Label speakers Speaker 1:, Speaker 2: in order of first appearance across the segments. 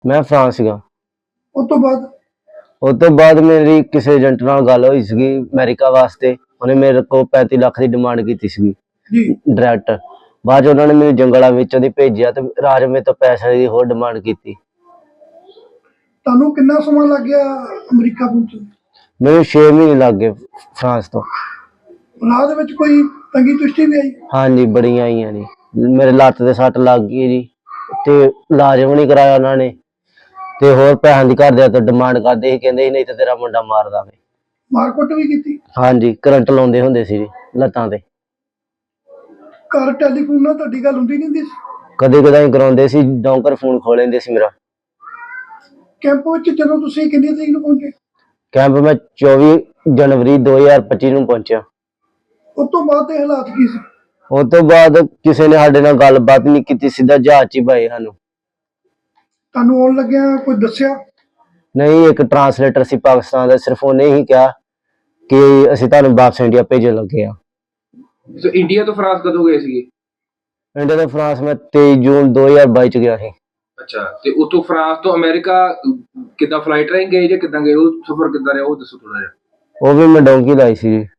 Speaker 1: मैं फ्रांस सीगा।
Speaker 2: ਉਸ ਤੋਂ ਬਾਅਦ
Speaker 1: उस तो बाद मेरी किसी एजेंट नाल गल होई सीगी अमेरिका वास्ते। उन्हें मेरे को 35 लाख की डिमांड की सीगी
Speaker 2: ਜੀ
Speaker 1: डायरैक्ट। बाद च उन्होंने मैनू जंगलों विचों दी भेजिया ते राज मेरे तो पैसे की होर डिमांड की।
Speaker 2: ਤੁਹਾਨੂੰ ਕਿੰਨਾ ਸਮਾਂ ਲੱਗ ਗਿਆ ਅਮਰੀਕਾ ਪਹੁੰਚਣ?
Speaker 1: मैनू 6 महीने लग गए फ्रांस तो।
Speaker 2: ਰਾਹ ਦੇ ਵਿੱਚ ਕੋਈ ਤੰਗੀ ਤੁਸ਼ਟੀ ਵੀ ਆਈ?
Speaker 1: हाँ जी बड़ियां आईयां जी। मेरे लत्त ते सट लग गई जी ते इलाज भी नहीं कराया उन्होंने ते होर पैसों की घरदियां तो डिमांड करदे सी, कहंदे सी नहीं तो तेरा मुंडा मार दांगे।
Speaker 2: ਮਾਰਕੁੱਟ ਵੀ ਕੀਤੀ?
Speaker 1: हाँ जी करंट लाउंदे हुंदे सी जी लत्तां ते।
Speaker 2: ਘਰ ਟੈਲੀਫੋਨ ਨਾਲ ਤੁਹਾਡੀ ਗੱਲ ਹੁੰਦੀ ਨਹੀਂ ਹੁੰਦੀ ਸੀ?
Speaker 1: कदे कदाई कराउंदे सी, डोंकर फोन खो लेंदे सी मेरा।
Speaker 2: ਕੈਂਪ ਵਿੱਚ ਜਦੋਂ ਤੁਸੀਂ ਕਿੰਨੀ ਤਰੀਕ ਨੂੰ ਪਹੁੰਚੇ?
Speaker 1: कैंप में 24 जनवरी 2025 ਨੂੰ ਪਹੁੰਚਿਆ।
Speaker 2: ਉਸ ਤੋਂ ਬਾਅਦ ਦੇ ਹਾਲਾਤ ਕੀ ਸੀ?
Speaker 1: ਉਸ ਤੋਂ ਬਾਅਦ ਕਿਸੇ ਨੇ ਸਾਡੇ ਨਾਲ ਗੱਲਬਾਤ ਨਹੀਂ ਕੀਤੀ, ਸਿੱਧਾ ਜਹਾਜ਼ 'ਚ ਹੀ ਪਾਏ ਸਾਨੂੰ।
Speaker 2: ਤੁਹਾਨੂੰ ਆਉਣ ਲੱਗਿਆ ਕੋਈ ਦੱਸਿਆ?
Speaker 1: ਨਹੀਂ, ਇੱਕ ਟਰਾਂਸਲੇਟਰ ਸੀ ਪਾਕਿਸਤਾਨ ਦਾ, ਸਿਰਫ ਉਹਨੇ ਹੀ ਕਿਹਾ ਕਿ ਅਸੀਂ ਤੁਹਾਨੂੰ ਵਾਪਸ ਇੰਡੀਆ ਭੇਜਣ ਲੱਗੇ ਆ।
Speaker 3: ਸੋ ਇੰਡੀਆ ਤੋਂ ਫਰਾਂਸ ਕਦੋਂ ਗਏ ਸੀਗੇ?
Speaker 1: ਇੰਡੀਆ ਤੋਂ ਫਰਾਂਸ ਮੈਂ 23 ਜੂਨ 2022 ਚ ਗਿਆ ਸੀ।
Speaker 3: ਅੱਛਾ, ਤੇ ਉਤੋਂ ਫਰਾਂਸ ਤੋਂ ਅਮਰੀਕਾ ਕਿੱਦਾਂ ਫਲਾਈਟ ਰਾਹੀਂ ਗਏ ਜਾਂ ਕਿੱਦਾਂ ਗਏ? ਉਹ ਸਫ਼ਰ ਕਿੱਦਾਂ ਰਿਹਾ ਉਹ ਦੱਸੋ ਥੋੜਾ ਜਿਹਾ।
Speaker 1: ਉਹ ਵੀ ਮੈਂ ਡੋਂਕੀ ਲਾਈ ਸੀ ਜੀ।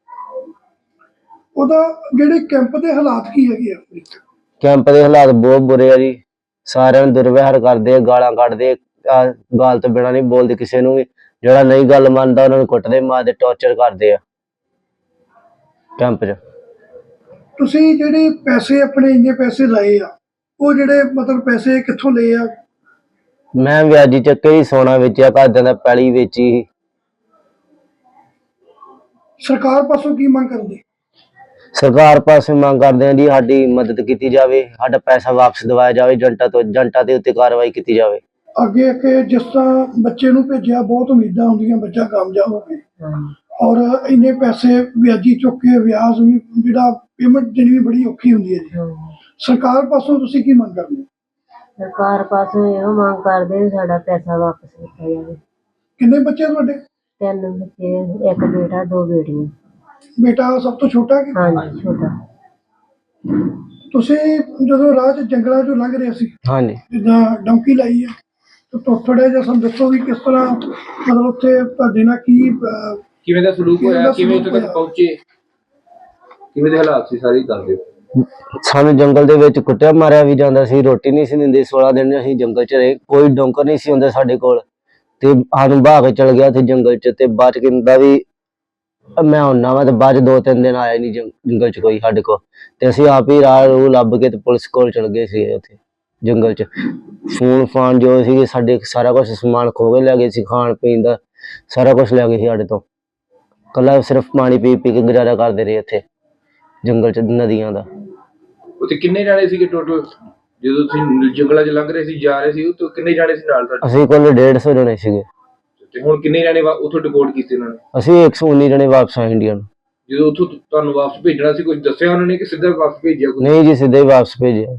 Speaker 2: ਉਹਦਾ ਜਿਹੜੇ ਕੈਂਪ ਦੇ ਹਾਲਾਤ ਕੀ ਹੈਗੇ ਆ?
Speaker 1: ਕੈਂਪ ਦੇ ਹਾਲਾਤ ਬਹੁਤ ਬੁਰੇ ਆ ਜੀ। ਸਾਰਿਆਂ ਨੂੰ ਦੁਰਵਿਹਾਰ ਕਰਦੇ ਆ, ਗਾਲਾਂ ਕੱਢਦੇ ਆ, ਗਾਲ ਤੋਂ ਬਿਨਾਂ ਨਹੀਂ ਬੋਲਦੇ ਕਿਸੇ ਨੂੰ ਵੀ। ਜਿਹੜਾ ਨਹੀਂ ਗੱਲ ਮੰਨਦਾ ਉਹਨਾਂ ਨੂੰ ਕੁੱਟਦੇ, ਮਾਰਦੇ, ਟੌਰਚਰ ਕਰਦੇ ਆ ਕੈਂਪ 'ਚ।
Speaker 2: ਤੁਸੀਂ ਜਿਹੜੇ ਪੈਸੇ ਆਪਣੇ ਇੰਨੇ ਪੈਸੇ ਲਾਏ ਆ, ਉਹ ਜਿਹੜੇ ਮਤਲਬ ਪੈਸੇ ਕਿੱਥੋਂ ਲਏ ਆ?
Speaker 1: ਮੈਂ ਵਿਆਜੀ ਚੱਕੇ ਹੀ ਸੋਨਾ ਵੇਚਿਆ, ਘਰਦਿਆਂ ਦਾ ਪੈਲੀ ਵੇਚੀ ਸੀ।
Speaker 2: ਸਰਕਾਰ ਪਾਸੋਂ ਕੀ ਮੰਗ ਕਰਦੇ?
Speaker 1: ਸਰਕਾਰ ਪਾਸੇ ਮੰਗ ਕਰਦੇ ਆ ਜੀ ਸਾਡੀ ਮਦਦ ਕੀਤੀ ਜਾਵੇ, ਸਾਡਾ ਪੈਸਾ ਵਾਪਸ ਦਿਵਾਇਆ ਜਾਵੇ, ਏਜੰਟਾਂ ਦੇ ਉੱਤੇ ਕਾਰਵਾਈ ਕੀਤੀ ਜਾਵੇ।
Speaker 2: ਅੱਗੇ ਕਿ ਜਿਸ ਤਰ੍ਹਾਂ ਬੱਚੇ ਨੂੰ ਭੇਜਿਆ, ਬਹੁਤ ਉਮੀਦਾਂ ਹੁੰਦੀਆਂ ਬੱਚਾ ਕਾਮਯਾਬ ਹੋਵੇ, ਔਰ ਇੰਨੇ ਪੈਸੇ ਵਿਆਜੀ ਚੁੱਕ ਕੇ ਵਿਆਜ ਵੀ ਜਿਹੜਾ ਪੇਮੈਂਟ ਦੇਣੀ ਵੀ ਬੜੀ ਔਖੀ ਹੁੰਦੀ ਹੈ ਜੀ। ਸਰਕਾਰ ਪਾਸੋਂ ਤੁਸੀਂ ਕੀ ਮੰਗ ਕਰਦੇ?
Speaker 4: ਸਰਕਾਰ ਪਾਸੋਂ ਇਹੋ ਮੰਗ ਕਰਦੇ ਵੀ ਸਾਡਾ ਪੈਸਾ ਵਾਪਸ ਕੀਤਾ ਜਾਵੇ।
Speaker 2: ਕਿੰਨੇ ਬੱਚੇ ਤੁਹਾਡੇ?
Speaker 4: 3 ਬੱਚੇ, ਇੱਕ ਬੇਟਾ 2 ਬੇਟੀਆਂ।
Speaker 2: ਬੇਟਾ ਸਭ ਤੋਂ ਛੋਟਾ ਕਿ?
Speaker 4: ਹਾਂਜੀ ਛੋਟਾ।
Speaker 2: ਤੁਸੀਂ ਜਦੋਂ ਰਾਹ 'ਚ ਜੰਗਲਾਂ 'ਚੋਂ ਲੰਘ ਰਹੇ ਸੀ,
Speaker 1: ਹਾਂਜੀ,
Speaker 2: ਜਿੱਦਾਂ ਡੌਂਕੀ ਲਾਈ ਹੈ, ਤਾਂ ਥੋੜ੍ਹਾ ਜਿਹਾ ਸਾਨੂੰ ਦੱਸੋ ਵੀ ਕਿਸ ਤਰ੍ਹਾਂ ਮਤਲਬ ਉੱਥੇ ਤੁਹਾਡੇ ਨਾਲ ਕੀ
Speaker 3: ਕਿਵੇਂ ਦਾ ਸਲੂਕ ਹੋਇਆ, ਕਿਵੇਂ ਉੱਥੇ ਤੱਕ ਪਹੁੰਚੇ, ਕਿਵੇਂ ਦੇ ਹਾਲਾਤ ਸੀ, ਸਾਰੀ ਦੱਸ ਦਿਓ।
Speaker 1: ਸਾਨੂੰ ਜੰਗਲ ਦੇ ਵਿੱਚ ਕੁੱਟਿਆ ਮਾਰਿਆ ਵੀ ਜਾਂਦਾ ਸੀ, ਰੋਟੀ ਨਹੀਂ ਸੀ ਦਿੰਦੇ। 16 ਦਿਨ ਅਸੀਂ ਜੰਗਲ 'ਚ ਰਹੇ, ਕੋਈ ਡੋਂਕਰ ਨਹੀਂ ਸੀ ਹੁੰਦਾ ਸਾਡੇ ਕੋਲ ਤੇ ਸਾਨੂੰ ਬਹਾ ਕੇ ਚਲ ਗਿਆ ਸੀ ਜੰਗਲ 'ਚ। ਤੇ ਬਾਅਦ 'ਚ ਕਹਿੰਦਾ ਵੀ ਮੈਂ ਹੁੰਨਾ ਵਾ, ਤੇ ਬਾਅਦ 'ਚ 2-3 ਦਿਨ ਆਇਆ ਨਹੀਂ ਜੰਗਲ 'ਚ ਕੋਈ ਸਾਡੇ ਕੋਲ। ਤੇ ਅਸੀਂ ਆਪ ਹੀ ਰਾਹ ਰੂਹ ਲੱਭ ਕੇ ਤੇ ਪੁਲਿਸ ਕੋਲ ਚਲ ਗਏ ਸੀ। ਉੱਥੇ ਜੰਗਲ 'ਚ ਫੋਨ ਫਾਨ ਜੋ ਸੀ ਸਾਡੇ ਸਾਰਾ ਕੁਛ ਸਮਾਨ ਖੋ ਕੇ ਲੈ ਗਏ ਸੀ, ਖਾਣ ਪੀਣ ਦਾ ਸਾਰਾ ਕੁਛ ਲੈ ਗਏ ਸੀ ਸਾਡੇ ਤੋਂ। ਕੱਲਾ ਸਿਰਫ ਪਾਣੀ ਪੀ ਪੀ ਕੇ ਗੁਜ਼ਾਰਾ ਕਰਦੇ ਰਹੇ ਉੱਥੇ ਜੰਗਲ 'ਚ, ਨਦੀਆਂ ਦਾ।
Speaker 3: ਉੱਥੇ ਕਿੰਨੇ ਜਾਣੇ ਸੀਗੇ ਟੋਟਲ ਜਦੋਂ ਤੁਸੀਂ ਜੰਗਲਾਂ 'ਚ ਲੰਘ ਰਹੇ ਸੀ, ਜਾ ਰਹੇ ਸੀ? ਉੱਥੇ ਕਿੰਨੇ ਜਾਣੇ ਸੀ ਨਾਲ ਤੁਹਾਡੇ?
Speaker 1: ਅਸੀਂ ਕੋਲ 150 ਜਣੇ ਸੀਗੇ।
Speaker 3: ਤੇ ਹੁਣ ਕਿੰਨੇ ਜਾਣੇ ਉੱਥੋਂ ਡਿਪੋਰਟ ਕੀਤੇ ਉਹਨਾਂ ਨੇ?
Speaker 1: ਅਸੀਂ 119 ਜਣੇ ਵਾਪਸ ਆਏ ਇੰਡੀਆ ਨੂੰ।
Speaker 3: ਜਦੋਂ ਉੱਥੋਂ ਤੁਹਾਨੂੰ ਵਾਪਸ ਭੇਜਣਾ ਸੀ, ਕੁਝ ਦੱਸਿਆ ਉਹਨਾਂ ਨੇ ਕਿ ਸਿੱਧਾ ਵਾਪਸ ਭੇਜਿਆ?
Speaker 1: ਨਹੀਂ ਜੀ, ਸਿੱਧਾ ਹੀ ਵਾਪਸ ਭੇਜਿਆ।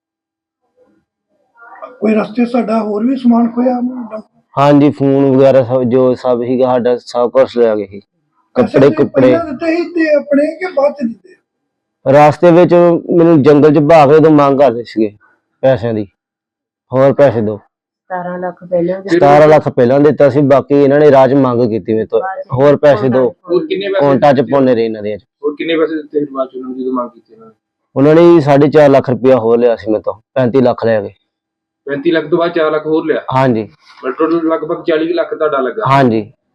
Speaker 2: ਕੋਈ ਰਸਤੇ ਸਾਡਾ ਹੋਰ ਵੀ ਸਮਾਨ ਖੋਇਆ?
Speaker 1: ਹਾਂਜੀ, ਫੋਨ ਵਗੈਰਾ ਜੋ ਸਭ ਸੀਗਾ ਸਾਡਾ, ਸਭ ਕੁਛ ਲੈ ਗਏ ਸੀ। ਕੱਪੜੇ
Speaker 2: ਦਿੱਤੇ ਸੀ ਤੇ ਆਪਣੇ ਕਿ ਬਾਅਦ 'ਚ ਦਿੱਤੇ?
Speaker 1: ਰਾਸਤੇ ਵਿੱਚ ਮੈਨੂੰ ਜੰਗਲ 'ਚ ਬਹਾ ਕੇ ਉਦੋਂ ਮੰਗ ਕਰਦੇ ਸੀਗੇ ਪੈਸਿਆਂ ਦੀ, ਹੋਰ ਪੈਸੇ ਦਿਓ।
Speaker 4: 17 ਲੱਖ ਪਹਿਲਾਂ
Speaker 1: 17 ਲੱਖ ਪਹਿਲਾਂ ਦਿੱਤਾ ਸੀ, ਬਾਕੀ ਇਹਨਾਂ ਨੇ ਰਾਹ 'ਚ ਮੰਗ ਕੀਤੀ ਮੇਰੇ ਤੋਂ, ਹੋਰ ਪੈਸੇ ਦਿਓ।
Speaker 3: ਹੋਰ ਕਿੰਨੇ ਪੈਸੇ
Speaker 1: ਕੌਂਟਾਂ 'ਚ ਪਾਉਂਦੇ ਰਹੇ ਇਹਨਾਂ ਦੇ।
Speaker 3: ਹੋਰ ਕਿੰਨੇ ਪੈਸੇ ਦਿੱਤੇ ਬਾਅਦ 'ਚ ਉਹਨਾਂ ਨੂੰ ਜਦੋਂ ਮੰਗ ਕੀਤੀ ਉਹਨਾਂ ਨੇ?
Speaker 1: ਉਹਨਾਂ ਨੇ 4.5 ਲੱਖ ਰੁਪਇਆ ਹੋਰ ਲਿਆ ਸੀ ਮੇਰੇ ਤੋਂ, 35 ਲੱਖ ਲੈ ਗਏ।
Speaker 3: 35 ਲੱਖ ਤੋਂ ਬਾਅਦ 4 ਲੱਖ ਹੋਰ ਲਿਆ?
Speaker 1: ਹਾਂਜੀ
Speaker 3: ਟੋਟਲ ਲਗਭਗ 40 ਲੱਖ ਤੁਹਾਡਾ ਲੱਗਾ?
Speaker 1: ਹਾਂਜੀ।